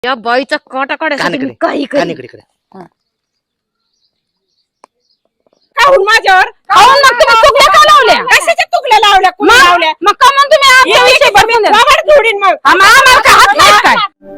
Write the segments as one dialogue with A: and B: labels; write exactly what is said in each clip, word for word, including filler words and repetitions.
A: या बाईचा काटा काढायसाठी मी काही काही
B: काहून माझ्यावर
A: काहून मग तुम्ही चुकल्या का लावल्या?
B: कशाच्या चुकल्या लावल्या कुणी
A: मग-
B: लावल्या
A: मग का मग तुम्ही आमच्या विषयी बदलून द्या?
B: बाबा जोडीन मग
A: आम्हा- आम्हाला काय हात नाही काय?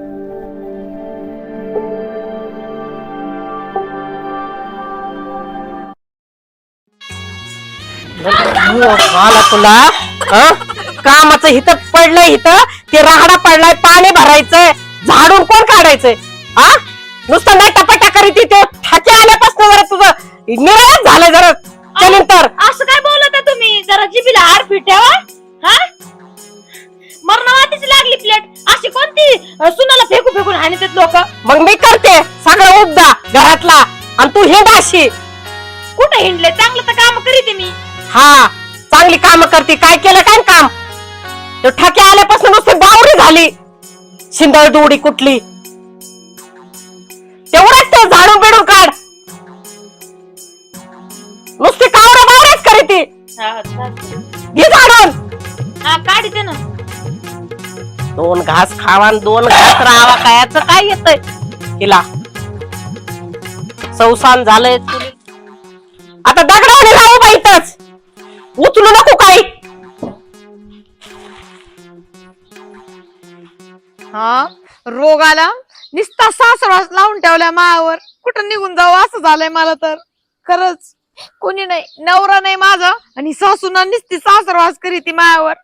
C: मला तुला कामाचं हिथं पडलंय हिथं ते राहडा पडलाय पाणी भरायचंय झाडून कोण काढायचंय हा नुसतं नाही टपाटा करीत ते ठाके आल्यापासून जरा तुझं निराळच झालंय जरा त्यानंतर
A: असं काय बोलता तुम्ही? जरा जिबीला हाड फिटवा. हा मरणावातीच लागली प्लेट. अशी कोणती अ, सुनाला फेकू फेकून हाणतात लोक?
C: मग मी करते सगळं उपदा घरातला आणि तू हिंड अशी.
A: कुठे हिंडले? चांगलं तर काम करीते मी.
C: हा चांगली काम करते. काय केलं काय काम? तो ठाके आल्यापासून नुसती बावरी झाली शिंदळ दुडी कुठली तेवढंच ते झाडून बिडून काढ. नुसती कावरा बावऱ्याच करीती.
A: हा चालतंय.
C: घे झाडून.
A: हा काढते ना.
C: दोन घास खावा आणि दोन घास राहावा कायचं काय येतंय तिला सौसान झालंय. आता दगडाने राहू बाईतच उचलू नको काही.
D: हा रोग आला निस्ता सासरास लावून ठेवल्या मायावर. कुठं निघून जाऊ असं झालंय मला तर. खरंच कोणी नाही, नवरा नाही माझा आणि सासूना निस्ती सासरवास करी ती मायावर.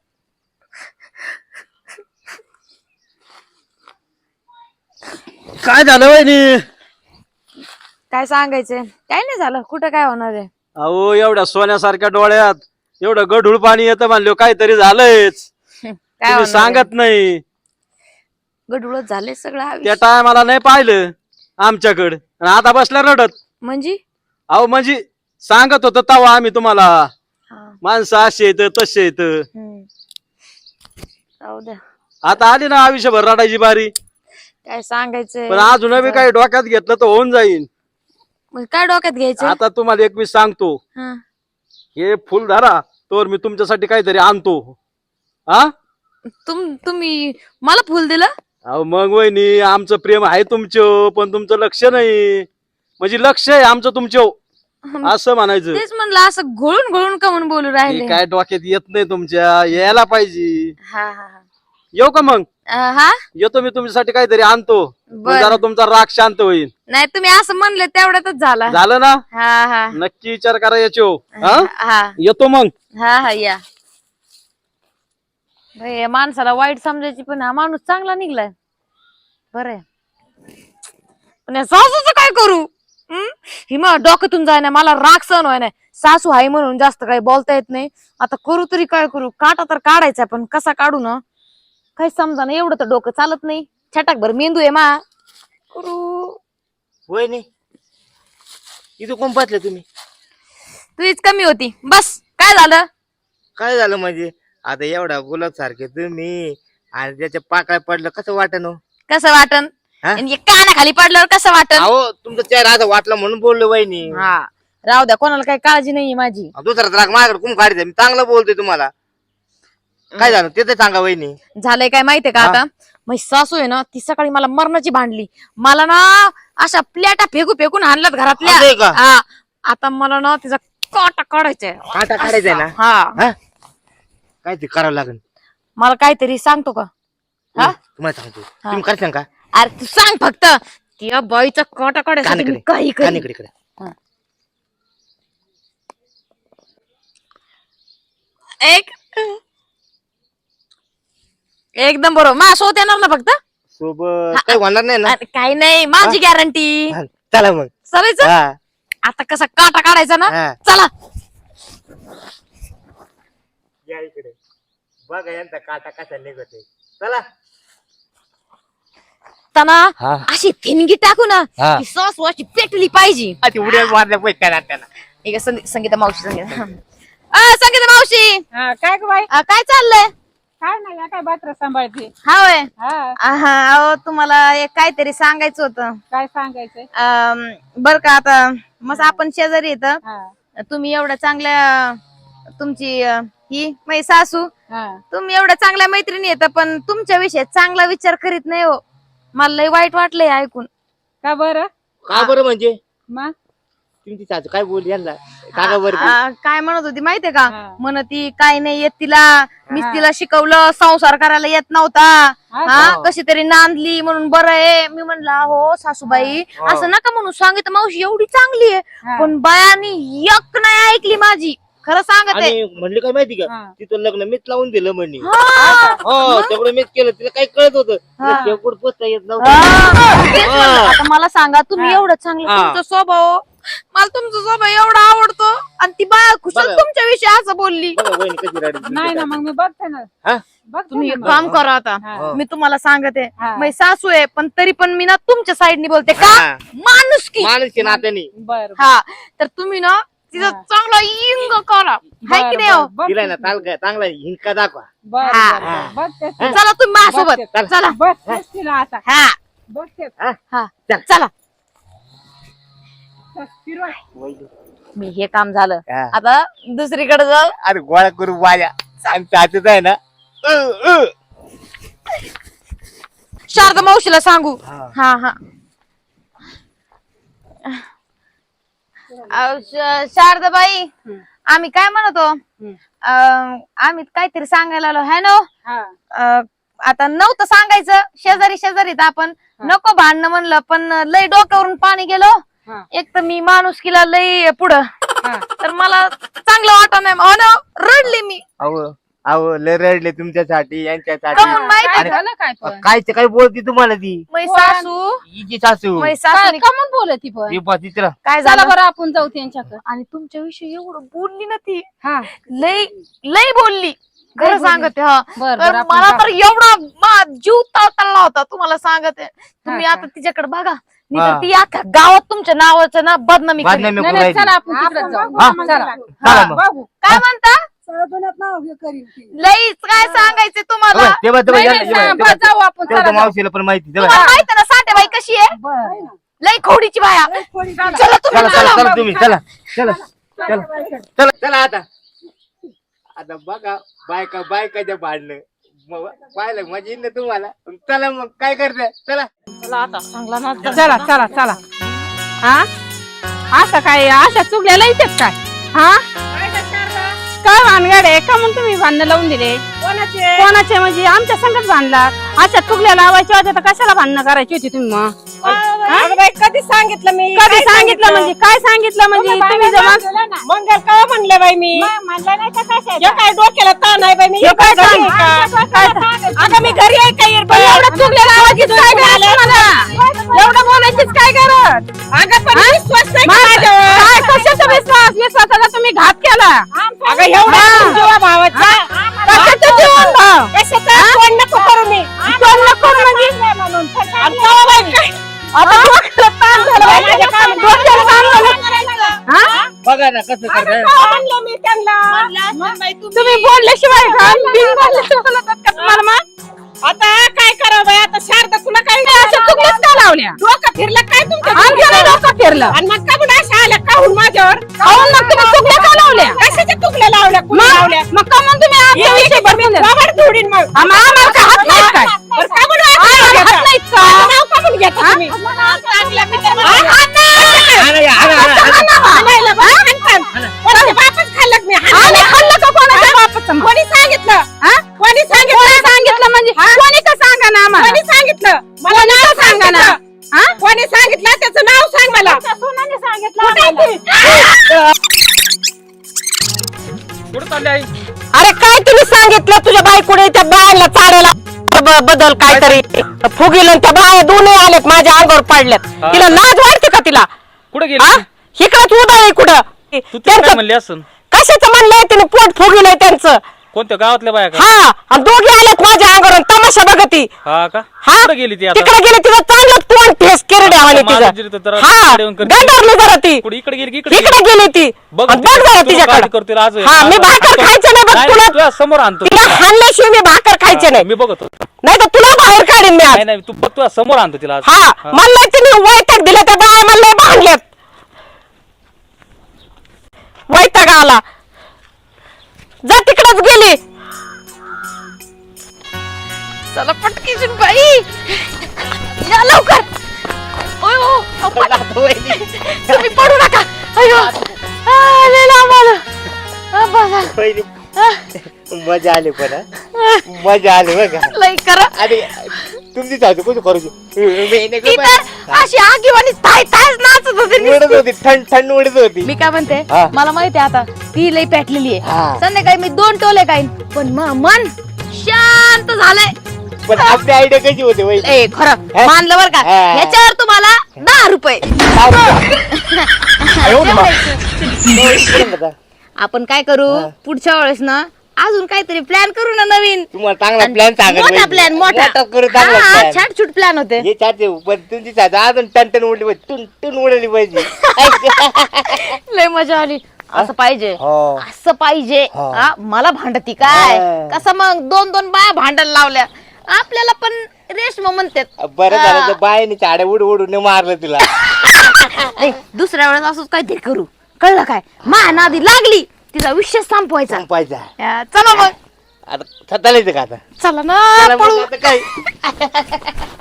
E: काय झालं वहिनी?
D: काय सांगायचंय? काय नाही झालं. कुठं काय होणार आहे?
E: अहो एवढ्या सोन्यासारख्या डोळ्यात एवढं गढूळ पाणी येतं म्हणलं काहीतरी झालंयच.
D: काय
E: तुम्ही
D: होणार
E: सांगत नाही.
D: गडुळत झाले सगळं
E: त्या
D: आयुष्य.
E: टायमाला नाही पाहिलं आमच्याकडे आणि आता बसल्या रडत.
D: म्हणजे
E: अहो म्हणजे सांगत होत तवा आम्ही तुम्हाला
D: हा,
E: माणसं असे येत तसे येत.
D: हम्म. राहू द्या.
E: आता आली ना आयुष्यभर रडायची बारी.
D: काय सांगायचंय?
E: पण अजून बी काही डोक्यात घेतलं तर होऊन जाईल.
D: मग काय डोक्यात घ्यायचं?
E: आता तुम्हाला एक मी सांगतो,
D: हा.
E: हे फुल धरा तर मी तुमच्यासाठी काहीतरी आणतो. हा
D: तुम तुम्ही मला फुल दिलं?
E: अहो मग वहिनी आमचं प्रेम आहे तुमचं पण तुमचं लक्ष नाही. म्हणजे लक्ष आहे आमचं तुमचं असं म्हणायचं.
D: तेच म्हणलं असं घोळून घोळून का म्हणून बोलू
E: हे
D: राहिले.
E: काय डोक्यात येत नाही तुमच्या. यायला पाहिजे.
D: हा हा हा.
E: येऊ का मग?
D: अं, हा
E: येतो मी तुमच्यासाठी काहीतरी आणतो. मग
D: बर.
E: जरा तुमचा राग शांत होईल.
D: नाही तुम्ही असं म्हणले तेवढ्यातच झाला.
E: झालं ना?
D: हा हा
E: नक्की विचार करा याचो. हा
D: हा
E: येतो मग.
D: हा हा या. बाई, या माणसाला वाईट समजायची पण हा माणूस चांगला निघलाय. बरं पण या सासूचं काय करू? हं? ही मग डोक्यातून जाय ना. मला राग सहन व्हाय नाही. सासू आहे म्हणून जास्त काही बोलता येत नाही. आता करू तरी काय करू? काटा तर काढायचा पण कसा काढू ना काही समजा ना. एवढं तर डोकं चालत नाही. छटाक भर मेंदू आहे मा. करू
F: वहिनी इथं कोण पाहतले तुम्ही?
D: तुझीच कमी होती. बस काय झालं?
F: काय झालं म्हणजे? आता एवढा गुलाब सारखे तुम्ही आणि त्याच्या पाकळ्या पडलं कसं वाटन?
D: कसं वाटन?
F: हा?
D: आणि कानाखाली पडल्यावर कसं वाटन?
F: अहो तुमचं चेहरा आता वाटलं म्हणून बोललो वहिनी.
D: हा राहू द्या. कोणाला काही काळजी नाहीये माझी.
F: दुसरा राग माझ्याकडे कुम काढायचा? मी चांगलं बोलतोय तुम्हाला. काय झालं ते तर सांगा वहिनी.
D: झालंय काय माहितीये का? आता माझी सासू आहे ना ती सकाळी मला मरणाची भांडली. मला ना अशा प्लेटा फेकू फेकून आणल्यात
F: असं आहे
D: घरातल्या.
F: का?
D: हा आता मला ना तिचा काटा काढायचाय.
F: काटा काढायचाय ना?
D: हा
F: हा काय ते करावं लागेल.
D: मला काहीतरी सांगतो का? हा
F: तुम्हाला सांगतो. तुम्ही करशाल का?
D: अरे तू सांग फक्त. त्या बाईचा काटा काढायसाठी मी काही काही
F: कानीकडे इकडे.
D: एक एकदम बरोबर. मा सोत येणार ना फक्त?
F: सोबत काही होणार नाही ना?
D: अरे, काही नाही माझी गॅरंटी.
F: हा, चला मग.
D: चालायचं
F: हा
D: आता. कसा काटा काढायचा ना?
F: हा.
D: चला.
F: या इकडे बघा यांचा काटा कसा निघतोय. चला.
D: तना
F: हा.
D: अशी थिनगी टाकू ना
F: हा.
D: की सासू अशी पेटली पाहिजे.
F: ती उड्या मारल्या पैसे करा त्याला.
D: ठीक आहे. संगी- संगीता मावशी संगीता अ, संगीता मावशी
B: हा काय ग बाई?
D: अ, काय चाललंय?
B: काय नाही या काय बात्र सांभाळते.
D: हा होय.
B: हा
D: हा अहो तुम्हाला एक काहीतरी सांगायचं होतं.
B: काय सांगायचंय?
D: अम, बर का आता मग आपण शेजारी येत.
B: हा
D: तुम्ही एवढ्या चांगल्या तुमची अ, ही माझी सासू
B: हा
D: तुम्ही एवढ्या चांगल्या मैत्रिणी येत पण तुमच्या विषयी चांगला विचार करीत नाही हो. मला लय वाईट वाटलंय ऐकून.
B: का बरं
F: का बरं म्हणजे
B: मग
F: तुमची सासू काय बोलली यांना सांगा बरं ती.
D: आ, काय म्हणत होती माहितीये का?
B: हा.
D: म्हणत ती काय नाही येत तिला, मीच
B: हा.
D: तिला शिकवलं, संसार करायला येत नव्हता.
B: हा
D: हा
F: का?
D: कशी तरी नांदली म्हणून बरं आहे. मी म्हणलं हो सासूबाई
F: हा.
D: असं नका म्हणून, सांगितलं मावशी एवढी चांगली आहे
B: हा.
D: पण बायानी एक नाही ऐकली माझी, खरं सांगते.
F: आणि म्हणली काय माहिती का
B: हा.
F: तिथं लग्न मीच लावून दिलं म्हणे.
D: हा.
F: हो तेवढं मीच केलं, तिला काही कळत होतं तिला
B: हा.
F: शेवट पोचता येत नव्हतं.
D: हा. तेच म्हणलं. आता मला सांगा तुम्ही
B: हा.
D: एवढं चांगलं
F: हा.
D: तुमचा स्वभाव, मला तुमचा स्वभाव एवढा आवडतो आणि ती बाया कुशल
F: बघा.
D: तुमच्या विषयी असं बोलली.
F: बघा वहिनी कशी रडली.
B: नाही ना मग मी बघते ना
F: हा?
B: बघते
D: तुम्ही
B: ना
D: एक
B: मग.
D: काम करा आता,
B: हा.
D: मी तुम्हाला सांगते
B: हा.
D: मी सासू आहे पण तरी पण मी ना तुमच्या साईडनी बोलते का
F: हा.
D: माणूस की.
F: माणूस की नात्याने
B: बर
D: हा तर तुम्ही ना तिचा
B: हा.
D: चांगला इंग करा, हाय की नाही हो?
F: तिला ना चांगला चांगला हिंका दाखवा.
B: बर
D: हा.
B: बर, बर. बघतेच तिला.
D: चला तुम्ही माझ्यासोबत
B: बघते.
D: चला.
B: बघतेच तिला आता
D: हा
B: बघतेच
D: हा
F: चल.
D: चला.
B: फिरवा.
D: मी हे काम झालं,
F: हा.
D: आता दुसरीकडे जाऊ.
F: अरे गोळा करू वाया आणि त्याच आहे ना अ, अ.
D: शारदा मावशीला सांगू. हा हा अहो, श- शारदाबाई आम्ही काय म्हणतो, अं, आम्ही काहीतरी सांगायला आलो है ना.
B: हा.
D: अं, आता नव्हतं सांगायचं, शेजारी शेजारीत आपण नको भांडणं म्हणलं, पण लय डोक्यावरून पाणी गेलो.
B: हा.
D: एक तर मी माणुसकीला लय पुढं,
B: हा.
D: तर मला चांगलं वाटत नाही. हो ना, रडली मी.
F: अहो अहो लय रडले तुमच्यासाठी यांच्यासाठी.
D: काहून माहिती
B: काय
F: आणि-
B: झालं काय पण
F: काय ते काय बोलती तुम्हाला ती
D: मै सासू
F: हिची सासू
D: मै
B: काय
D: सासू
B: कमून बोलत ती पण
F: ती बा तिचं
D: काय
B: चला
D: झालं
B: बरं आपण जाऊ त्यांच्याकडे
D: आणि तुमच्याविषयी एवढं बोलली ना ती,
B: हा
D: लय लय बोलली, खरं
B: बोलली?
D: सांगते. हा
B: बर
D: तर
B: बर आपण
D: मला
B: जाऊ.
D: तर एवढा मा- जीव तावताळला होता तुम्हाला सांगते. तुम्ही
B: हा
D: आता तिच्याकडे बघा, नाही
F: हा.
D: तर ती अख्ख्या गावात तुमच्या नावाचं ना बदनामी करेल.
F: बदनामी
B: नाही,
F: करू
B: नाही,
F: राहिली.
B: चला आपण तिकडे जाऊ
F: हा?
B: चला
F: चला मग.
B: बघू
D: काय म्हणता? लईच काय सांगायचं तुम्हाला.
F: तेव्हा- तेव्हा- तेव्हा
B: नाही,
F: या-
B: नाही,
F: तेव्हा-
B: सांग,
F: तेव्हा-
B: बरं, जाऊ आपण
F: तेव्हा
B: चला
F: त्या मावशीला पण माहिती तेव्हा.
D: तुम्हाला माहिती ना साठेबाई कशी आहे,
B: बर
D: लई खोडीची बाया. चला तुम्ही
F: चला चला
D: चला.
F: चला तुम्ही चला चला चला चला चला आता आता बघा बायका बायकाच्या भांडणं मग पाहिलं मजा येईल ना तुम्हाला. चला मग काय करताय चला.
B: चला चला चला हा असं काय अशा चुकल्याला येतात काय हा काय भानगड आहे का म्हणून तुम्ही भांडणं लावून दिले कोणाचे कोणाचे म्हणजे आमच्या संगत भांडला अशा चुकल्या लावायच्या होत्या तर कशाला भांडणं करायची होती तुम्ही मग
A: कधी सांगितलं मी
B: कधी सांगितलं म्हणजे काय सांगितलं म्हणजे तुम्ही जमा
A: मंगल का म्हणलं बाई मी
B: म्हणलं नाही तर कशा
A: हे काय डोक्याला ताण आहे बाई मी हे काय घरी आहे का? अगं मी घरी आहे का इरबा?
B: एवढं चुकल्या लावायचीच काय गरज तुम्हाला एवढं बोलायचीच काय गरज
A: अगं पण विश्वास नाही का माझ्यावर?
B: काय कशाचा विश्वास विश्वासाचा तुम्ही घात केला
A: अगं एवढा जीवा भावाचा
B: कशाचा जीवन भाव
A: कशाचा फोन नको करू मी
B: कोण नको म्हणजे
A: आणि तेव्हा बाई काय?
B: आता डोक्याला ताण झाला बाई, माझ्या काम- डोक्याला ताण झाला. हा?
F: बघा ना कसं करताय.
A: का म्हणलं मी त्यांना
B: तुम्ही बोलल्याशिवाय का बिन बोलल्याशिवाय बोलतात का तुम्हाला मग?
A: आता काय करावं बाई आता शारदा तुला काय
B: अशा चुकल्याच का लावल्या
A: डोकं फिरलं काय तुमच्या
B: आमच्या नाही डोकं फिरलं
A: आणि मग का म्हणून अशा आल्या काहून माझ्यावर
B: काहून मग तुम्ही चुकल्या का लावल्या
A: कशाच्या चुकल्या लावल्या कुणी
B: मग
A: लावल्या
B: मग का मग तुम्ही आमच्या विषयी बदलून दिलं?
A: बाबा धुडीन मग
B: आम्हा- आम्हाला काय हात नाहीत काय
A: बरं का म्हणून
B: आम्हाला
A: असं
B: हात
A: घेता?
B: नाहीत का?
A: माझं नाव का म्हणून घेता तुम्ही? चांगल्या मित्राला- हा, हा, नाही.
F: हाणा या, हाणा, हाणा, हाणा.
A: हाणायला बा, हाणतात. कोणाच्या बापाचं खाल्लं का मी हाणायला?
B: आम्ही खाल्लं का कोणाच्या बापाचं मग?
A: कोणी सांगितलं
B: हा?
A: कोणी सांगितलं
B: कोणी सांगितलं म्हणजे कोणी का सांगा ना आम्हाला
A: कोणी सांगितलं मला
B: कोणी
A: नाव
B: का सांगा ना?
A: सांगितलं.
B: हा?
A: कोणी सांगितलं त्याचं नाव सांग मला
B: सोनाने
A: कुठे आहे ती?
E: कुठं चालले आई?
C: अरे काय तुम्ही सांगितलं तुझ्या बायकोने त्या बायांना चाडायला ब- बदल काहीतरी फुगिल त्या बाया दोन्ही आलेत माझ्या अंगावर पाडल्यात.
E: हा.
C: तिला लाज वाटते का तिला?
E: कुठं
C: हा
E: गेली
C: इकडंच उभा आहे कुठं
E: तू तिला
C: त्यांचं
E: काय म्हणली असं
C: कशाचं म्हणलंय तिने पोट फुगिलंय त्यांचं.
E: कोणत्या गावातल्या बाया का
C: हा आणि दोघे आलेत माझ्या अंगावर आणि तमाशा बघती.
E: हा का
C: हा
E: कुठं गेली ती आता
C: तिकडे गेली तिचं चांगलं तोंड ठेस केरड्यावाने
E: माझं जिरतं
C: तिचं.
E: तर
C: हा
E: इकडे येऊन करते.
C: गंडारली जरा ती
E: कुठे इकडे गेली की इकडे
C: इकडे गेली ती
E: बघ
C: आणि बघ जरा तिच्याकडे.
E: करते आज
C: हा मी भाकर खायचे नाही बघ तुला
E: तुला समोर आणतो
C: तिला हाणल्याशिवाय मी भाकर खायचे नाही
E: मी बघतो
C: नाही तर तुला बाहेर काढीन मी आज.
E: नाही नाही तू बघ तुला समोर आणतो तिला आज.
C: हा
E: हा.
C: मला तिने वैताग दिला त्या बाया मला भांडल्यात वैताग आला जा तिकडच गेली.
D: चला पटकीची बाई. या लवकर. ओय, ओ, अहो, पड-
F: आता वहिनी.
D: तुम्ही पडू नका. अयो आ, लय लांब आलं. आ, बसा.
F: वहिनी. मजा आली पण हा? मजा आली बघा.
D: लय करा.
F: आणि तुमची चालू कसं करू
D: ती तर अशी आगीवाणी ताय तायच नाचत होती
F: उडत
D: नुसती.
F: होती थंड थंड उडत होती.
D: मी काय म्हणते
F: हा.
D: मला माहिती आहे आता ती लई पेटलेली
F: हा.
D: आहे. संध्याकाळी मी दोन टोले खाईन पण म- मन शांत झालंय.
F: पण आपली आयडिया कशी होते वहिनी?
D: ए खरं
F: हा?
D: मानलं बर का.
F: हा.
D: ह्याच्यावर तुम्हाला दहा रुपये. आपण काय करू
F: हा.
D: पुढच्या वेळेस ना अजून काहीतरी प्लॅन करू ना नवीन.
F: तुम्हाला चांगला प्लॅन सांगा
D: मोठा प्लॅन मोठा
F: करू चांगला
D: हा,
F: प्लॅन.
D: छाट छूट प्लॅन होते.
F: हे चालते पण तुमची चालते अजून टन टन उडली पाहिजे टुन टुन उडली पाहिजे.
D: लय मजा आली. असं पाहिजे
F: हो.
D: असं पाहिजे.
F: हो.
D: हा, मला भांडती काय
F: हा.
D: कसं मग दोन दोन बाया भांडायला लावल्या आपल्याला पण रेशमा म्हणतात.
F: बरं झालं
D: हा.
F: तर बायने चाड्या उड उडून मारलं तिला.
D: ए, दुसऱ्या वेळेस असंच काहीतरी करू कळलं काय. मा नादी लागली तिचा विषय संपवायचा.
F: पाहिजे
D: या, चला मग
F: आता चालायचं का आता?
D: चला ना
F: चला मग
D: पळू.
F: आता काय